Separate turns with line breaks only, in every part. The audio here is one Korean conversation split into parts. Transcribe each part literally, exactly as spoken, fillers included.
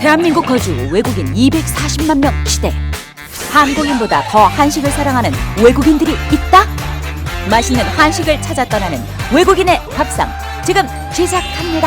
대한민국 거주 외국인 이백사십만 명 시대. 한국인보다 더 한식을 사랑하는 외국인들이 있다? 맛있는 한식을 찾아 떠나는 외국인의 밥상 지금 시작합니다.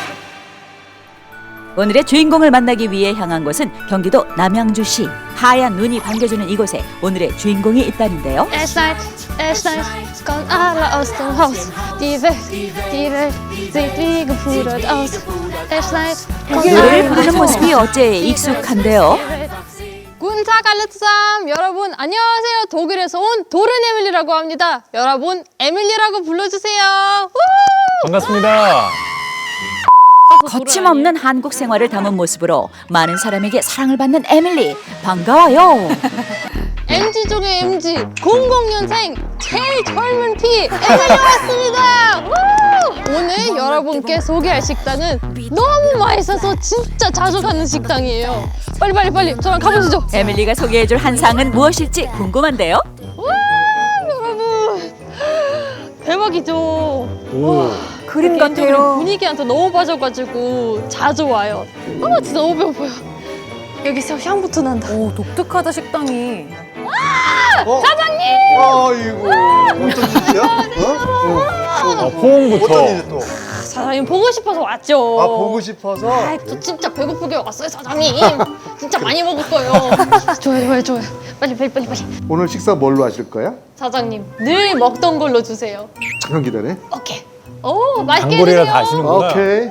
오늘의 주인공을 만나기 위해 향한 곳은 경기도 남양주시. 하얀 눈이 반겨주는 이곳에 오늘의 주인공이 있다는데요.
Es night, es night, kommt alle aus dem Haus. Die Welt, die Welt sieht wie gepudert aus. Es night, kommt
노래를 부르는 모습이 어째 익숙한데요.
Guten Tag alle zusammen. 여러분 안녕하세요. 독일에서 온 도른 에밀리라고 합니다. 여러분 에밀리라고 불러주세요. 우!
반갑습니다.
거침없는 한국 생활을 담은 모습으로 많은 사람에게 사랑을 받는 에밀리. 반가워요.
엠지 중에 엠지, 공공년생 제일 젊은 피 에밀리 왔습니다. 우! 오늘 여러분께 소개할 식당은 너무 맛있어서 진짜 자주 가는 식당이에요. 빨리 빨리 빨리 저랑 가보시죠.
에밀리가 소개해줄 한상은 무엇일지 궁금한데요.
와 여러분 대박이죠.
오.
그림
개인적으로
같아요.
분위기한테 너무 빠져가지고 자주 와요. 아 진짜 너무 배고파요. 여기서 향부터 난다.
오, 독특하다 식당이.
사장님!
아이고, 어떤 짓이야? 어?
아,
어?
포옹부터.
어떤 일이 또?
사장님 보고 싶어서 왔죠.
아, 보고 싶어서?
아, 저 진짜 배고프게 왔어요 사장님. 진짜 많이 먹을 거예요. 좋아요 좋아요 좋아요. 빨리 빨리 빨리 빨리.
오늘 식사 뭘로 하실 거야?
사장님 늘 먹던 걸로 주세요.
잠깐 기다려.
오케이. 오 맛있게
단골이라
해주세요.
다 아시는구나.
오케이.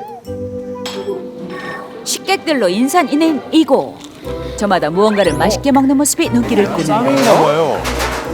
식객들로 인산인해인 이곳. 저마다 무언가를 맛있게 먹는 모습이 눈길을
짱인가
끄는데요.
봐요.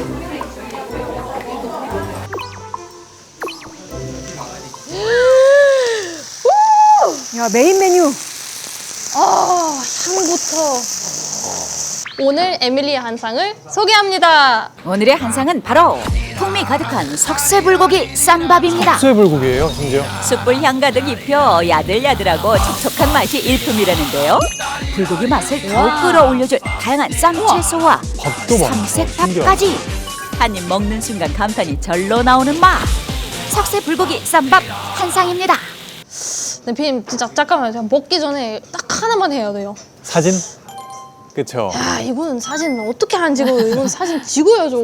야, 메인 메뉴.
아 향부터. 오늘 에밀리의 한상을 소개합니다.
오늘의 한상은 바로 풍미 가득한 석쇠불고기 쌈밥입니다.
석쇠불고기예요, 심지어.
숯불 향 가득 입혀 야들야들하고 촉촉한 맛이 일품이라는데요. 불고기 맛을 더욱 끌어올려줄 다양한 쌈채소와
밥도 많고
삼색밥까지 한 입 먹는 순간 감탄이 절로 나오는 맛. 석쇠불고기 쌈밥 한상입니다.
대표님 진짜 잠깐만요. 제가 먹기 전에 딱 하나만 해야 돼요.
사진? 그쵸.
야 이거는 사진 어떻게 안 찍어요? 이건 사진 찍어야죠.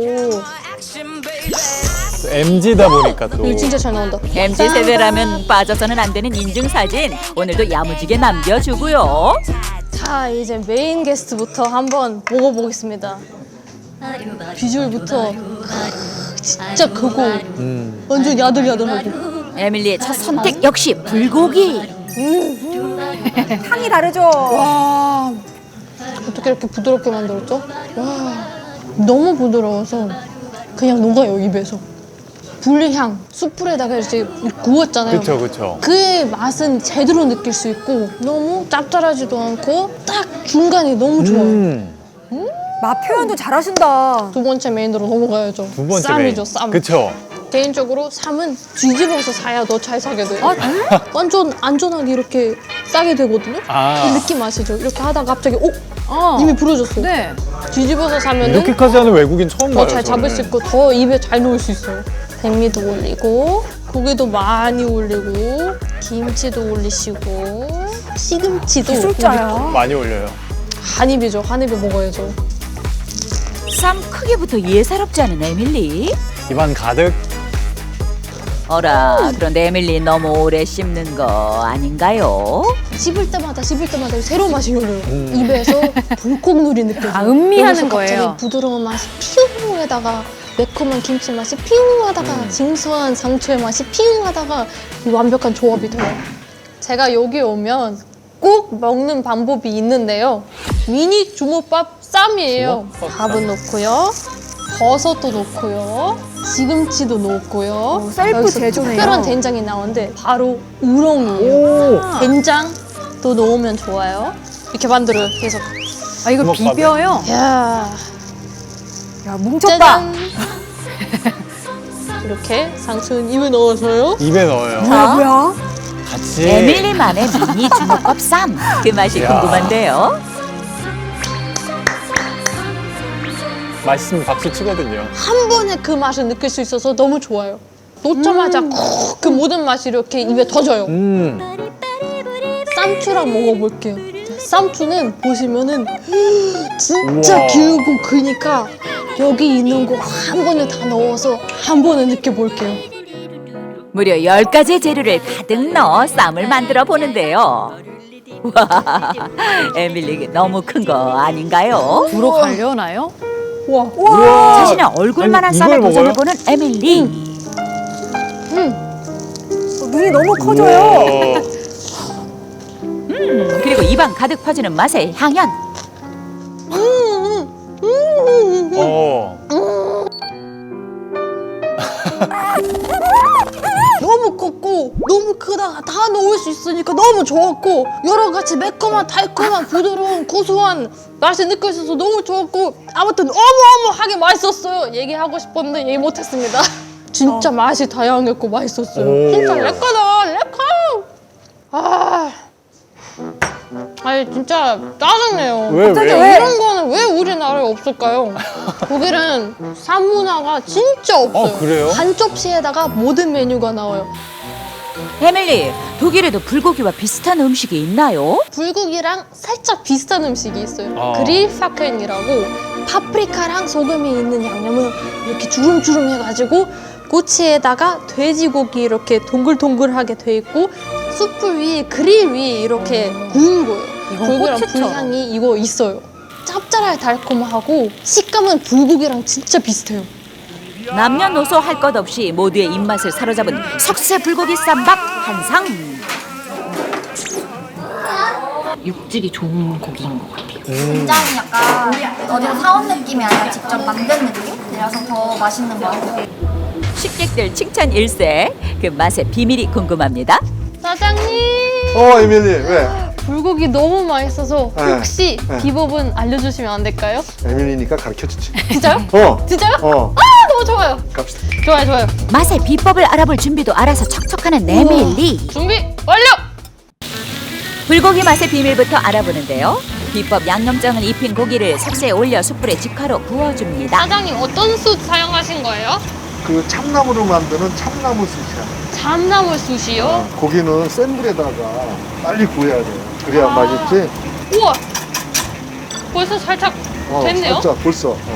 또 엠지다 보니까 또.
이거 진짜 잘 나온다.
엠지 세대라면 빠져서는 안 되는 인증사진 오늘도 야무지게 남겨주고요.
자 이제 메인 게스트부터 한번 먹어보겠습니다. 비주얼부터 진짜 크고
음.
완전 야들야들하고.
에밀리의 첫 선택 역시 불고기.
향이 다르죠?
와 어떻게 이렇게 부드럽게 만들었죠? 와 너무 부드러워서 그냥 녹아요 입에서. 불향 숯불에다가 이렇게 구웠잖아요.
그쵸, 그쵸.
그 맛은 제대로 느낄 수 있고 너무 짭짤하지도 않고 딱 중간이 너무 좋아요.
음.
맛 표현도 잘하신다.
두 번째 메인으로 넘어가야죠.
두 번째
쌈이죠
메인.
쌈.
그쵸.
개인적으로 쌈은 뒤집어서 사야 더 잘 사게 돼요.
아,
완전 안전하게 이렇게 싸게 되거든요.
아.
이 느낌 아시죠? 이렇게 하다가 갑자기 오!
어.
이미 부러졌어.
네.
뒤집어서 사면은
이렇게까지 하는 외국인 처음 봐요.
더 잘 잡을 수
저는.
있고 더 입에 잘 넣을 수 있어요. 백미도 올리고 고기도 많이 올리고 김치도 올리시고 시금치도
기술자야.
올리고.
많이 올려요.
한 입이죠. 한 입에 먹어야죠.
쌈 크기부터 예사롭지 않은 에밀리.
입안 가득.
어라, 그런데 에밀리 너무 오래 씹는 거 아닌가요?
씹을 때마다 씹을 때마다 새로운 맛이 열려요.
음.
입에서 불꽃놀이 느껴져요.
아, 음미하는
여기서
거예요.
갑자기 부드러운 맛이 피웅하다가 매콤한 김치 맛이 피웅하다가
음.
징수한 상추의 맛이 피웅하다가 이 완벽한 조합이 돼요. 제가 여기 오면 꼭 먹는 방법이 있는데요. 미니 주먹밥 쌈이에요.
주먹밥
밥은 넣고요. 버섯도 넣고요. 시금치도 넣고요.
오, 셀프
여기서
제조네요.
특별한 된장이 나오는데 바로 우렁이에요.
오.
된장도 넣으면 좋아요. 이렇게 만들어요. 계속.
아, 이거
주먹밥에.
비벼요?
야,
야, 뭉쳤다.
짜잔. 이렇게 상추는 입에 넣어서요.
입에 넣어요.
뭐야, 뭐야?
같이.
에밀리만의 미니 주먹밥 쌈. 그 맛이
이야.
궁금한데요.
맛있으면 박수 치거든요.
한 번에 그 맛을 느낄 수 있어서 너무 좋아요. 놓자마자 콕 그 모든 맛이 이렇게 입에 터져요.
음.
쌈추랑 먹어볼게요. 쌈추는 보시면은 진짜
우와.
길고 크니까 여기 있는 거 한 번에 다 넣어서 한 번에 느껴볼게요.
무려 열 가지의 재료를 가득 넣어 쌈을 만들어 보는데요. 와, 에밀리 너무 큰 거 아닌가요?
불어 갈려나요?
와,
우와.
자신의 얼굴만한
아니,
쌈을
이걸 먹어요?
도전해보는 에밀리.
음,
어, 눈이 너무 커져요.
우와.
음, 그리고 입안 가득 퍼지는 맛의 향연.
어.
너무 컸고 너무 크다가 다 넣을 수 있으니까 너무 좋았고 여러 가지 매콤한 달콤한 부드러운 고소한 맛이 느껴져서 너무 좋았고 아무튼 어마어마하게 맛있었어요. 얘기하고 싶었는데 얘기 못했습니다. 진짜 맛이 다양했고 맛있었어요.
오.
진짜 레카다 레카. 아, 아니 진짜 짜증내요.
왜,
갑자기
왜?
왜?
이런 거는 왜 우리나라에 없을까요? 독일은 쌈 문화가 진짜 없어요.
어, 그래요?
한 접시에다가 모든 메뉴가 나와요.
에밀리, 독일에도 불고기와 비슷한 음식이 있나요?
불고기랑 살짝 비슷한 음식이 있어요.
아.
그릴파켄이라고 파프리카랑 소금이 있는 양념을 이렇게 주름주름 해가지고 꼬치에다가 돼지고기 이렇게 동글동글하게 돼 있고 숯불 위에 그릴 위에 이렇게 구운 거예요.
이건
불고기랑
꼬치처럼.
불향이 이거 있어요. 짭짤하게 달콤하고 식감은 불고기랑 진짜 비슷해요.
남녀노소 할 것 없이 모두의 입맛을 사로잡은 석쇠 불고기 쌈밥 한상.
육질이 좋은 고기인 것 같아요.
굉장히 약간 어디서 사온 느낌이 아니라 직접 만든 느낌이라서 더 맛있는 것 같아요.
식객들 칭찬 일세. 그 맛의 비밀이 궁금합니다.
사장님!
어, 에밀리, 왜?
불고기 너무 맛있어서
네.
혹시
네.
비법은 알려주시면 안 될까요?
에밀리니까 가르쳐 주지.
진짜요?
어.
진짜요?
어.
아, 너무 좋아요.
갑시다.
좋아요, 좋아요.
맛의 비법을 알아볼 준비도 알아서 척척하는 에밀리.
준비 완료!
불고기 맛의 비밀부터 알아보는데요. 비법 양념장을 입힌 고기를 석쇠에 올려 숯불에 직화로 구워줍니다.
사장님 어떤 숯 사용하신 거예요?
그 참나무로 만드는 참나무 숯이야.
참나물 숯이요?
고기는 센 불에다가 빨리 구워야 돼. 그래야 맛있지.
우와! 벌써 살짝
어,
됐네요?
살짝 벌써. 어.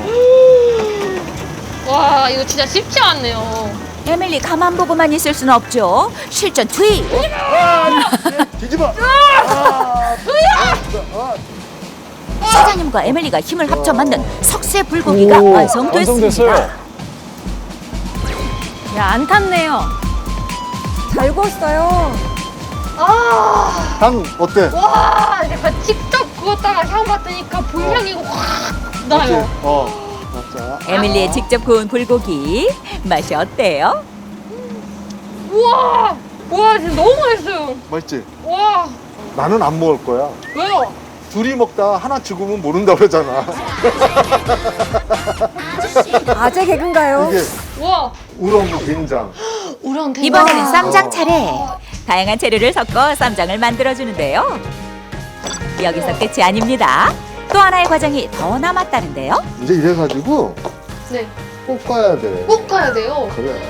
와, 이거 진짜 쉽지 않네요.
에밀리 가만 보고만 있을 수는 없죠. 실전 투입.
뒤집어.
사장님과 에밀리가 힘을 합쳐 만든 석쇠 불고기가
오,
완성됐습니다.
완성됐어요.
야, 안 탔네요. 잘 구웠어요.
아,
향 어때?
와, 내가 직접 구웠다가 향 맡으니까 불향이 확 나요.
어. 자.
에밀리의 직접 구운 불고기 맛이 어때요?
우와! 와, 진짜 너무 맛있어요.
맛있지?
와,
나는 안 먹을 거야.
왜요?
둘이 먹다 하나 죽으면 모른다 그러잖아.
아재 개그인가요?
이게
와,
우렁 된장.
우렁 대박.
이번에는 쌈장 차례. 다양한 재료를 섞어 쌈장을 만들어주는데요. 여기서 끝이 아닙니다. 또 하나의 과정이 더 남았다는데요.
이제 이래가지고
네,
볶아야 돼.
꼭 가야 돼요.
그래.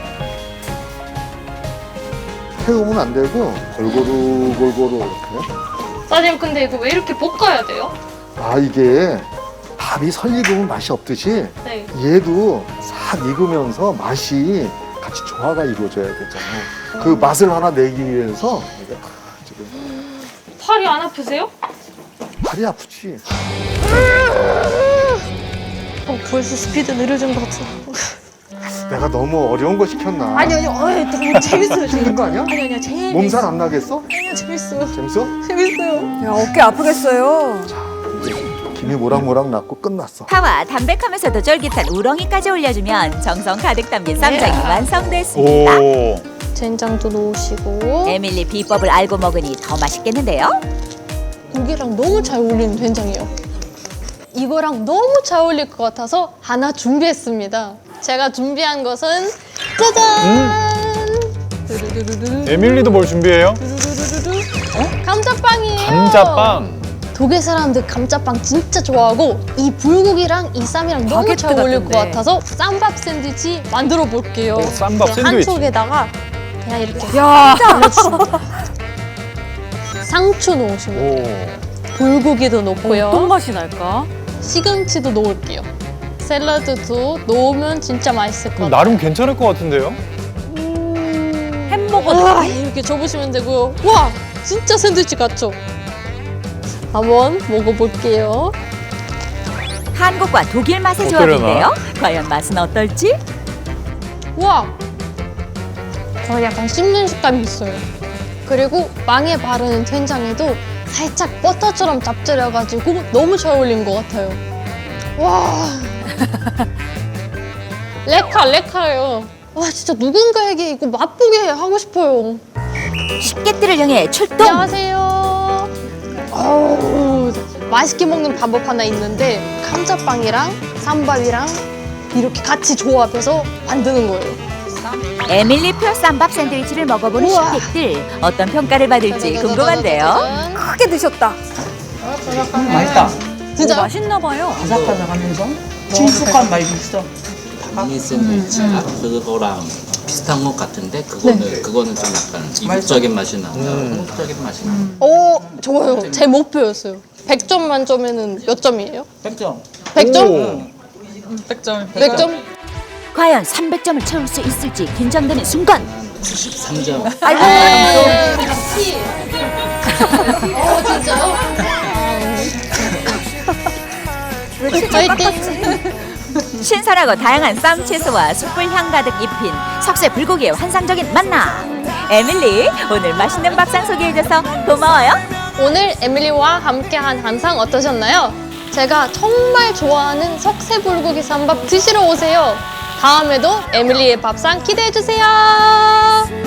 태우면 안 되고 골고루 골고루 이렇게.
사장님, 근데 이거 왜 이렇게 볶아야 돼요?
아 이게 밥이 설 익으면 맛이 없듯이
네.
얘도 싹 익으면서 맛이 같이 조화가 이루어져야 되잖아. 그 맛을 하나 내기 위해서 이게 지금
팔이 안 아프세요?
팔이 아프지.
어, 벌써 스피드 느려진 것 같아.
내가 너무 어려운 거 시켰나?
아니, 아니, 어이, 너무 재밌어요.
힘든 거 아니야?
아니, 아니요, 재밌어요.
몸살 안 나겠어?
아니요, 재밌어요.
재밌어?
재밌어요.
야, 어깨 아프겠어요.
이제 김이 모락모락 났고 끝났어.
파와 담백하면서도 쫄깃한 우렁이까지 올려주면 정성 가득 담긴 쌈장이 완성됐습니다.
오.
된장도 넣으시고.
에밀리 비법을 알고 먹으니 더 맛있겠는데요?
고기랑 너무 잘 어울리는 된장이에요. 이거랑 너무 잘 어울릴 것 같아서 하나 준비했습니다. 제가 준비한 것은 짜잔! 두루두루두루.
에밀리도 뭘 준비해요?
두루두루두루. 감자빵이에요.
감자빵.
독일 사람들 감자빵 진짜 좋아하고 이 불고기랑 이 쌈이랑 너무
바게트
잘 어울릴
같은데.
것 같아서 쌈밥 샌드위치 만들어 볼게요.
오, 쌈밥
그냥 한
샌드위치.
쪽에다가 그냥 이렇게
야,
상추 넣으시면 돼요.
오.
불고기도 넣고요.
어떤 맛이 날까?
시금치도 넣을게요. 샐러드도 넣으면 진짜 맛있을 것 같아요.
나름 괜찮을 것 같은데요?
햄버거
와, 이렇게 접으시면 되고요. 와, 진짜 샌드위치 같죠? 한번 먹어볼게요.
한국과 독일 맛의
어떠려나?
조합인데요. 과연 맛은 어떨지?
와, 어, 약간 씹는 식감이 있어요. 그리고 빵에 바르는 된장에도 살짝 버터처럼 잡들여가지고 너무 잘 어울린 것 같아요. 와, 레카 레카예요. 와, 진짜 누군가에게 이거 맛보게 하고 싶어요.
식객들을 향해 출동!
안녕하세요. 어우, 맛있게 먹는 방법 하나 있는데 감자빵이랑 쌈밥이랑 이렇게 같이 조합해서 만드는 거예요.
에밀리표 쌈밥 샌드위치를 먹어보는
우와.
식객들 어떤 평가를 받을지 궁금한데요.
짜자자자자잔.
크게 드셨다.
맛있다.
진짜
맛있나 봐요.
바삭바삭하면서 친숙한 맛이 있어.
미니 샌드위치가 그거랑 비슷한 것 같은데 그거는 그거는 좀 약간 이국적인 맛이 나고 한국적인 맛이 나.
오, 좋아요. 제 목표였어요. 백 점 만점에는 몇 점이에요?
백 점.
백 점?
오.
백 점.
백 점?
과연 삼백 점을 채울 수 있을지 긴장되는 순간
구십삼 점.
아이고
시. 어, 진짜요? 화이팅!
신선하고 다양한 쌈 채소와 숯불 향 가득 입힌 석쇠 불고기의 환상적인 만남. 에밀리 오늘 맛있는 밥상 소개해줘서 고마워요.
오늘 에밀리와 함께한 한상 어떠셨나요? 제가 정말 좋아하는 석쇠불고기 쌈밥 드시러 오세요. 다음에도 에밀리의 밥상 기대해주세요.